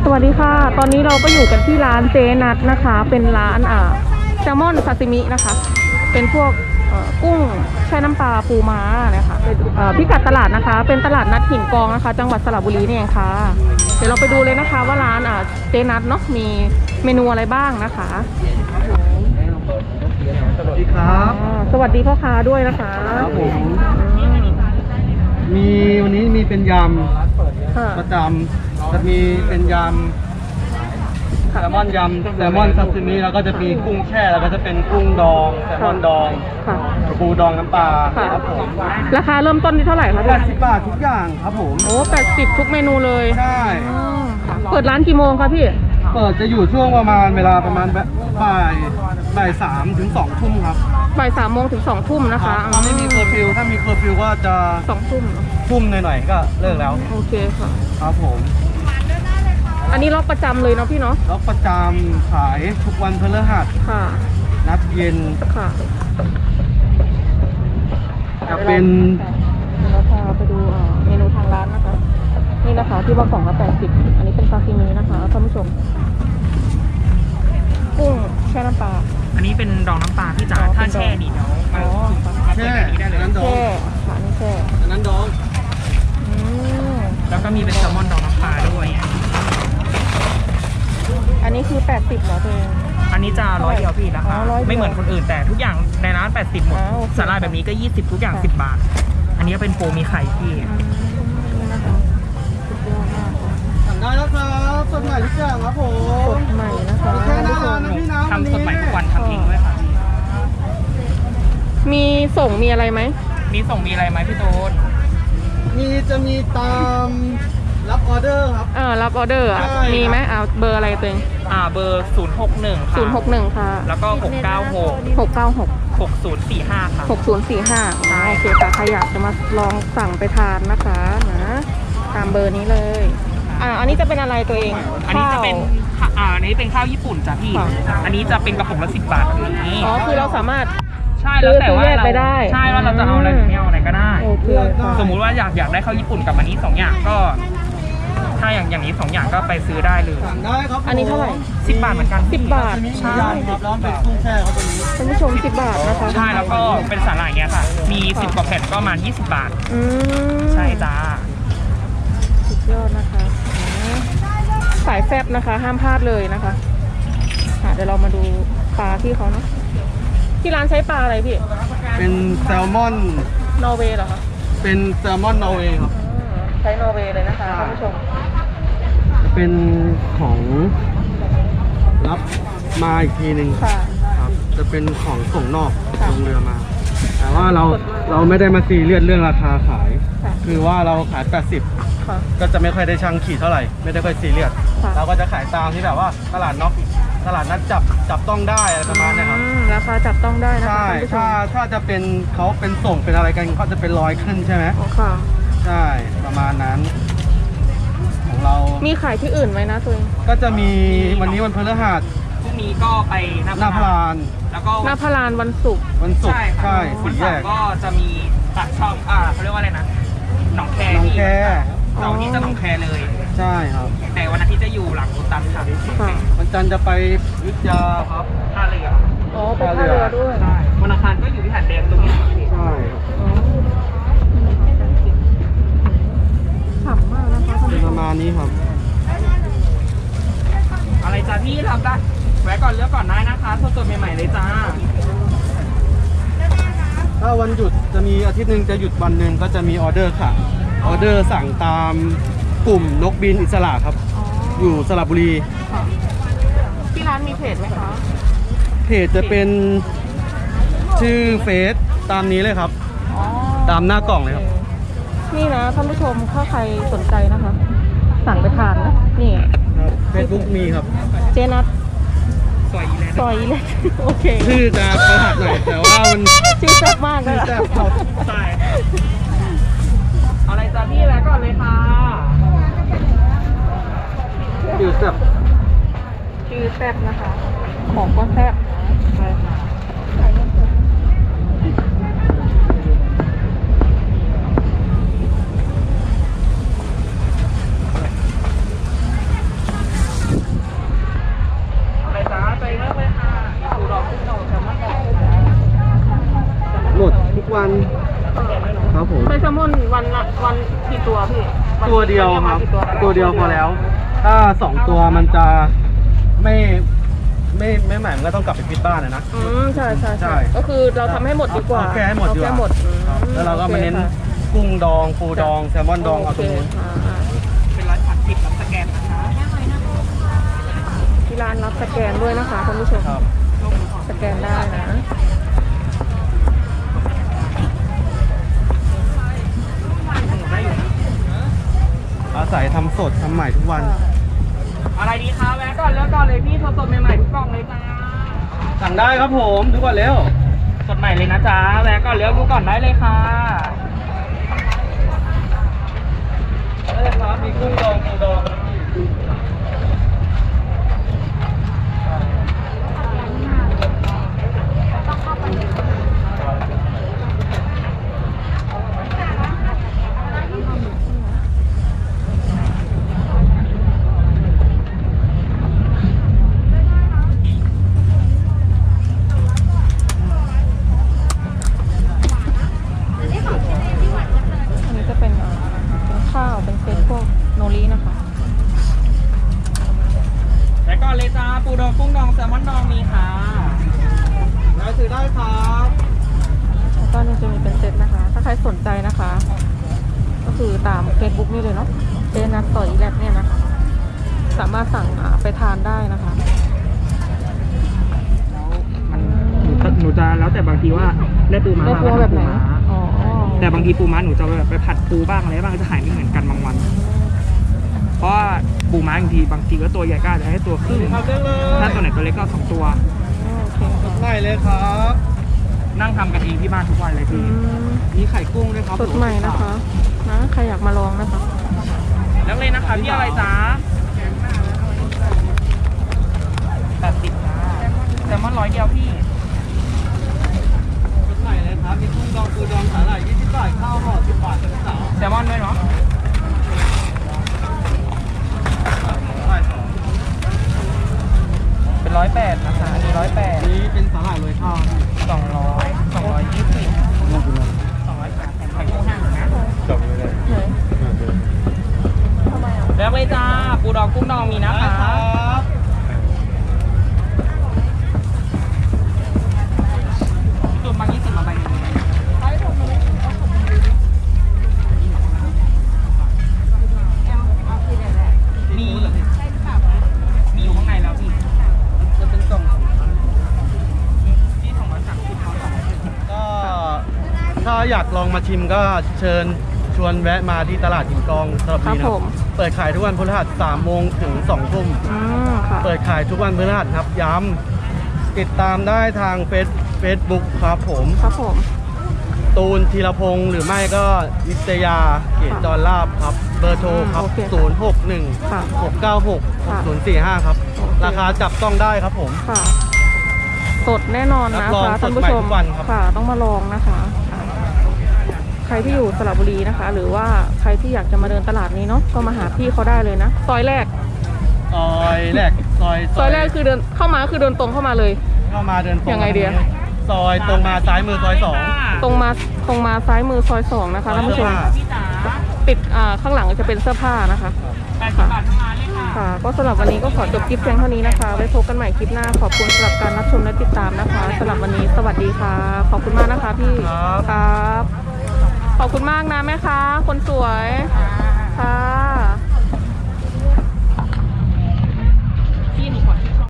สวัสดีค่ะตอนนี้เราก็อยู่กันที่ร้านเจนัทนะคะเป็นร้านแซลมอนซาซิมินะคะเป็นพวกกุ้งแช่น้ำปลาปูม้านะคะพิกัดตลาดนะคะเป็นตลาดนัดหินกองนะคะจังหวัดสระบุรีนี่เองค่ะเดี๋ยวเราไปดูเลยนะคะว่าร้านเจนัทเนาะมีเมนูอะไรบ้างนะคะสวัสดีครับสวัสดีพ่อค้าด้วยนะคะครับผมวันนี้มีเป็นยำประจำจะมีเป็นยำแซลมอนยำแซลมอนซาซิมิแล้วก็จะมีกุ้งแช่แล้วก็จะเป็นกุ้งดองแซลมอนดองปูดองน้ำปลาครับผมราคาเริ่มต้นที่เท่าไหร่คะ 80 บาททุกอย่างครับผมโอ้80ทุกเมนูเลยใช่เปิดร้านกี่โมงคะพี่เปิดจะอยู่ช่วงเวลาประมาณบ่าย 3 ถึง 2 ทุ่มครับบ่าย 3 โมงถึง 2 ทุ่มนะคะถ้าไม่มีเคอร์ฟิวถ้ามีเคอร์ฟิวก็จะ 2 ทุ่มหน่อยๆก็เลิกแล้วโอเคค่ะครับผมอันนี้ล็อกประจำเลยเนาะพี่เนาะล็อกประจำขายทุกวันพฤหัสค่ะนัดเย็นค่ะจะเป็นเราพาไปดูเมนูทางร้านนะคะนี่นะคะที่ว่ากล่องละ80อันนี้เป็นซาซิมินะคะท่านผู้ชมกุ้งแช่น้ำปลาอันนี้เป็นดองน้ำปลาพี่จ๋าถ้าแช่นี่เดี๋ยวมาแช่นั้นดองค่ะนี่แช่นั้นดองแล้วก็มีเป็นแซลมอนดองน้ำปลาด้วยอันนี้คือ80เหรอตัวเองอันนี้จะ100เดียวพี่ราคาไม่เหมือนคนอื่นแต่ทุกอย่างในร้าน80หมดสาหร่ายแบบนี้ก็20ทุกอย่าง10 บาทอันนี้เป็นโปรมีไข่พี่สั่งได้แล้วครับสดใหม่ทุกอย่างครับผมสดใหม่นะคะแค่หน้าร้านนะพี่นะทำสดใหม่ทุกวันทำเองด้วยค่ะมีส่งมีอะไรไหมมีส่งมีอะไรไหมพี่โต๊ดจะมีตามรับออเดอร์ครับรับออเดอร์มีไหมเบอร์อะไรตัวเองเบอร์061ค่ะ 061ค่ะแล้วก็ 696 6045ค่ะ 6045โอเคค่ะใครอยากจะมาลองสั่งไปทานนะคะนะตามเบอร์นี้เลยอันนี้จะเป็นอะไรตัวเองอันนี้จะเป็นอันนี้เป็นข้าวญี่ปุ่นจ้ะพี่อันนี้จะเป็นกระปุกละ10 บาทแบบนี้คือเราสามารถใช่แล้วแต่ว่าเราใช่ว่าเราจะเอาอะไรหรือไม่เอาอะไรก็ได้สมมุติว่าอยากได้ข้าวญี่ปุ่นกับอันนี้2 อย่างก็ถ้าอย่างนี้2 อย่างก็ไปซื้อได้เลยอันนี้เท่าไหร่ 10 บาทเหมือนกัน 10 บาทใช่ครับร้อนเป็นกุ้งแช่ครับตัวนี้ท่านผู้ชม10 บาทนะคะใช่แล้วก็เป็นสาหร่ายเงี้ยค่ะมี10 กว่าแผ่นก็ประมาณ20 บาทใช่จ้าสุดยอดนะคะสายแซ่บนะคะห้ามพลาดเลยนะคะเดี๋ยวเรามาดูปลาที่เขาเนาะที่ร้านใช้ปลาอะไรพี่เป็นแซลมอนนอร์เวย์เหรอคะเป็นแซลมอนนอร์เวย์ครับใช้นอร์เวย์เลยนะคะท่านผู้ชมจะเป็นของรับมาอีกทีหนึ่งครับจะเป็นของส่งนอกลงเรือมาแต่ว่าเราไม่ได้มาซีเรียสเรื่องราคาขายคือว่าเราขาย80ก็จะไม่ค่อยได้ช่างขีดเท่าไหร่ไม่ได้ค่อยซีเรียสเราก็จะขายตามที่แบบว่าตลาดนัดจับต้องได้อะไรประมาณนี้ครับราคาจับต้องได้นะคะใช่ถ้าจะเป็นเขาเป็นส่งเป็นอะไรกันเขาจะเป็น100ขึ้นใช่ไหมค่ะใช่ประมาณนั้นของเรามีขายที่อื่นไหมนะตัวเองก็จะมีวันนี้วันพฤหัสพรุ่งนี้ก็ไปหน้าพลานแล้วก็หน้าพลานวันศุกร์ใช่วันเสาร์ก็จะมีปากช่องเขาเรียกว่าอะไรนะหนองแคเสาร์นี้จะหนองแคเลยใช่ครับแต่วันอาทิตย์จะอยู่หลังรถตัสค่ะวันจันทร์จะไปวิทยาครับท่าเรือไปท่าเรือด้วยวันอังคารก็อยู่ที่หาดแดงตรงนี้ใช่ฉ่ำมากนะคะประมาณนี้ครับอะไรจ้าพี่ทำได้แวะก่อนเลือกก่อนได้นะคะสดๆใหม่ๆเลยจ้าถ้าวันหยุดจะมีอาทิตย์หนึ่งจะหยุดวันหนึ่งก็จะมีออเดอร์ค่ะออเดอร์สั่งตามกลุ่มนกบินอิสระครับอยู่สระบุรีที่ร้านมีเพจไหมคะเพจจะเป็นชื่อเฟซตามนี้เลยครับตามหน้ากล่องเลยครับนี่นะท่านผู้ชมถ้าใครสนใจนะคะสั่งไปทานนะนี่เฟซบุ๊กมีครับเจนัทซอยอีเล็กโอเคชื่อจะประหลาดหน่อยแต่ว่ามันชื่อแซ่บมากเลยแซ่บครับใช่อะไรจ้าพี่แล้วก่อนเลยค่ะชื่อแซ่บนะคะของก็แซ่บใช่ค่ะตัวเดียวครับกี่ตัวตัวเดียวพอแล้ว ถ้า2 ตัวมันจะไม่หมายมันก็ต้องกลับไปพิดบ้านนะใช่ใช่ก็คือเราทำให้หมดดีกว่าเอาแค่ให้หมดดีกว่าเอาแค่หมดครับแล้วเราก็มาเน้นโอคค่ะกุ้งดองปูดองแซลมอนดองเอาตรงนู้นโคค่ะเป็นร้านผัดผิดรับสแกนนะคะที่ร้านรับสแกนด้วยนะคะคุณผู้ชมครับสแกนได้นะได้อยู่นะอาศัยทำสดทำใหม่ทุกวันอะไรดีคะแวะก่อนเลือกก่อนเลยพี่สดๆใหม่ๆทุกกล่องเลยจ้าสั่งได้ครับผมดูก่อนเร็วสดใหม่เลยนะจ๊ะแวะก่อนเลือกดูก่อนได้เลยค่ะได้ครับมีกุ้งดองปูดองครับพี่อันนี้จะเป็นเป็นข้าวเป็นเซตพวกโนรินะคะแวะก่อนเลยจ้าปูดองกุ้งดองแซลมอนดองมีค่ะได้ซื้อได้ครับแล้วก็เนี่ยจะมีเป็นเซตนะคะ ถ้าใครสนใจนะคะ ก็คือตาม Facebook นี่เลยเนาะเจนัทต่อยแลบเนี่ยนะคะ สามารถสั่งไปทานได้นะคะมันหนูจะแล้วแต่บางทีว่าได้ปูม้าได้ปูแบบไหนอ๋อแต่บางทีปูม้าหนูจะแบบไปผัดปูบ้างอะไรบ้างจะขายไม่เหมือนกันบางวัน เพราะว่าปูม้าบางทีก็ตัวใหญ่ก็อาจจะให้ตัวครึ่งทำได้เลยถ้าตัวไหนตัวเล็กก็2 ตัวโอเคค่ะใหม่เลยครับนั่งทำกันเองที่บ้านทุกวันเลยอืพี่มมีไข่กุ้งด้วยครับสดใหม่นะคะนะใครอยากมาลองนะคะแล้วเลยนะคะพี่อะไรจ๊ะ80จ้าแซลมอน100 เดียวพี่สดใหม่เลยครับมีกุ้งดองปูดองสาหร่าย20 บาทข้าวห่อ10 บาทเป็นสาวแซลมอนด้วยเนาะสาหร่าย2 เป็น108นะคะอันนี้108 นี้เป็นสาหร่ายโรยข้าว 200 220 น่ากินมาก 208แถมไข่กุ้ง5นะจบเลยไหนทำไมอ่ะแล้วเลยจ้าปูดองกุ้งดองมีนะได้คะครับจุ่มบาง20มาใบหนึ่งมีอยู่ข้างในแล้วพี่จะเป็นกล่องที่230เขา210 ก็ถ้าอยากลองมาชิมก็เชิญชวนแวะมาที่ตลาดหินกองสระครับุบรีนะผมเปิดขายทุกวันพฤหัส3 โมงถึง 2 ทุ่มค่ะเปิดขายทุกวันพฤหัสครับย้ำติดตามได้ทางเฟซบุ๊กครับผมครับผมตูนธีรพงศ์หรือไม่ก็นิตยาเกตจรลาบครับ เบอร์โทรครับโอเค 061 ค่ะ 696 ค่ะ 6045 ครับโอเคราคาจับต้องได้ครับผมค่ะ สดแน่นอนรันะบรองคะสท่าดนผู้ใหม่ชมทุกวันครับค่ะ ต้องมาลองนะคะค่ะใครที่อยู่สระบุรีนะคะ หรือว่าใครที่อยากจะมาเดินตลาดนี้เนาะก็มาหาพี่เขาได้เลยนะซอยแรกซอยแรกซอยซอยแรกคือเดินเข้ามาคือเดินตรงเข้ามาเลยเข้ามาเดินตรงยังไงดีอะซอยตรงมาซ้ายมือซอยตรงมาซ้ายมือซอย2นะคะท่านผู้ชมพี่จ๋าปิดข้างหลังจะเป็นเสื้อผ้านะคะ 80 บาททั้งร้านเลยค่ะค่ะ ก็สำหรับวันนี้ก็ขอจบคลิปเพียงเท่านี้นะคะ ไว้พบกันใหม่คลิปหน้า ขอบคุณสำหรับการรับชมและติดตามนะคะสำหรับวันนี้สวัสดีค่ะ ขอบคุณมากนะคะพี่ครับครับ ขอบคุณมากนะแม่ค้าคนสวยค่ะ